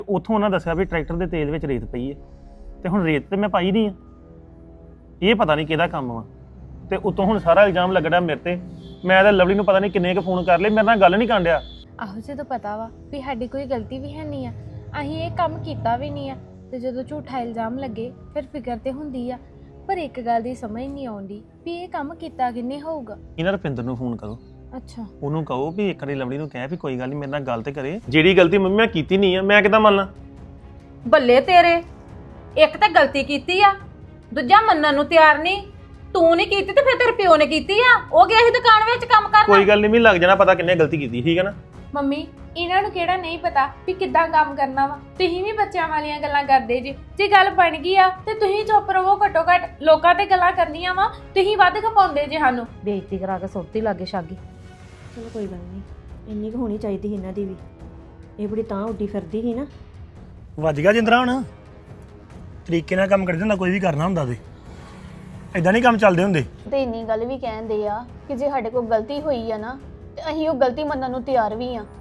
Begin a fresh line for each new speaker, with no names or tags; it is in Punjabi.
ਉੱਥੋਂ ਉਹਨਾਂ ਦੱਸਿਆ ਵੀ ਟਰੈਕਟਰ ਦੇ ਤੇਲ ਵਿੱਚ ਰੇਤ ਪਈ ਹੈ ਤੇ ਹੁਣ ਰੇਤ ਤੇ ਮੈਂ ਪਾਈ ਨਹੀਂ ਆ। ਇਹ ਪਤਾ ਨਹੀਂ ਕਿਹਦਾ ਕੰਮ ਵਾ ਤੇ ਉਤੋਂ ਹੁਣ ਸਾਰਾ ਇਲਜ਼ਾਮ ਲੱਗਣਾ ਮੇਰੇ ਤੇ। ਮੈਂ ਤਾਂ ਲਵਲੀ ਨੂੰ ਪਤਾ ਨਹੀਂ ਕਿੰਨੇ ਕੁ ਫੋਨ ਕਰ ਲਏ, ਮੇਰੇ ਨਾਲ ਗੱਲ ਨਹੀਂ ਕਰਨ ਡਿਆ।
ਆਹੋ ਜਦੋਂ ਪਤਾ ਵਾ ਵੀ ਸਾਡੀ ਕੋਈ ਗਲਤੀ ਵੀ ਹੈ ਨਹੀਂ ਆ, ਅਸੀਂ ਇਹ ਕੰਮ ਕੀਤਾ ਵੀ ਨਹੀਂ ਆ, ਤੇ ਜਦੋਂ ਝੂਠਾ ਇਲਜ਼ਾਮ ਲੱਗੇ ਫਿਰ ਫਿਕਰ ਤੇ ਹੁੰਦੀ ਆ। ਪਰ ਇੱਕ ਗੱਲ ਦੀ ਸਮਝ ਨਹੀਂ ਆਉਂਦੀ ਵੀ ਇਹ ਕੰਮ ਕੀਤਾ ਕਿੰਨੇ ਹੋਊਗਾ।
ਇਹਨਾਂ ਰੁਪਿੰਦਰ ਨੂੰ ਫੋਨ ਕਰੋ,
ਅੱਛਾ
ਉਹਨੂੰ ਕਹੋ ਵੀ ਇੱਕ ਵਾਰੀ ਲਵਲੀ ਨੂੰ ਕਹਿ ਵੀ ਕੋਈ ਗੱਲ ਨਹੀਂ ਮੇਰੇ ਨਾਲ ਗੱਲ ਤੇ ਕਰੇ। ਜਿਹੜੀ ਗਲਤੀ ਮੰਮੀ ਮੈਂ ਕੀਤੀ ਨਹੀਂ ਆ ਮੈਂ ਕਿੱਦਾਂ ਮੰਨ ਲਾਂ?
ਬੱਲੇ ਤੇਰੇ, ਇੱਕ ਤਾਂ ਗਲਤੀ ਕੀਤੀ ਆ, ਦੂਜਾ ਮੰਨਣ ਨੂੰ ਤਿਆਰ ਨਹੀਂ। ਤੂੰ ਨਹੀਂ ਕੀਤੀ ਤੇ ਫਿਰ ਤੇਰੇ ਪਿਓ ਨੇ ਕੀਤੀ ਆ। ਉਹ ਗਿਆ ਸੀ ਦੁਕਾਨ ਵਿੱਚ ਕੰਮ ਕਰਨ।
ਕੋਈ ਗੱਲ ਨਹੀਂ, ਮੈਨੂੰ ਲੱਗ ਜਾਣਾ ਪਤਾ ਕਿੰਨੇ ਗਲਤੀ ਕੀਤੀ, ਠੀਕ ਹੈ ਨਾ।
ਮੰਮੀ ਇਹਨਾਂ ਨੂੰ ਕਿਹੜਾ ਨਹੀਂ ਪਤਾ ਵੀ ਕਿੱਦਾਂ ਕੰਮ ਕਰਨਾ ਵਾ। ਤੁਸੀਂ ਵੀ ਬੱਚਿਆਂ ਵਾਲੀਆਂ ਗੱਲਾਂ ਕਰਦੇ ਜੀ। ਜੇ ਗੱਲ ਬਣ ਗਈ ਆ ਤੇ ਤੁਸੀਂ ਚੁੱਪ ਰਹੋ। ਘੱਟੋ ਘੱਟ ਲੋਕਾਂ ਤੇ ਗੱਲਾਂ ਕਰਨੀਆਂ ਵਾ, ਤੁਸੀਂ ਵੱਧ ਖਪਾਉਂਦੇ ਜੇ ਸਾਨੂੰ।
ਬੇਇੱਜ਼ਤੀ ਕਰਾ ਕੇ ਸੁੱਤੀ ਲਾਗੇ ਛਾਗੀ।
ਚਲੋ ਕੋਈ ਗੱਲ ਨਹੀਂ, ਇੰਨੀ ਕੁ ਹੋਣੀ ਚਾਹੀਦੀ ਸੀ ਇਹਨਾਂ ਦੀ ਵੀ। ਇਹ ਬੜੀ ਤਾਂ ਉੱਡੀ ਫਿਰਦੀ ਸੀ ਨਾ।
ਵੱਜ ਗਿਆ ਜਿੰਦਰਾ। ਹੁਣ ਤਰੀਕੇ ਨਾਲ ਕੰਮ ਕਰਦੇ ਹੁੰਦਾ, ਕੋਈ ਵੀ ਕਰਨਾ ਹੁੰਦਾ ਤੇ ਇਦਾਂ ਨਹੀਂ ਕੰਮ ਚੱਲਦੇ ਹੁੰਦੇ।
ਤੇ ਇੰਨੀ ਗੱਲ ਵੀ ਕਹਿੰਦੇ ਆ ਕਿ ਜੇ ਸਾਡੇ ਕੋਲ ਗਲਤੀ ਹੋਈ ਆ ਨਾ ਤੇ ਅਸੀਂ ਉਹ ਗਲਤੀ ਮੰਨਣ ਨੂੰ ਤਿਆਰ ਵੀ ਆ।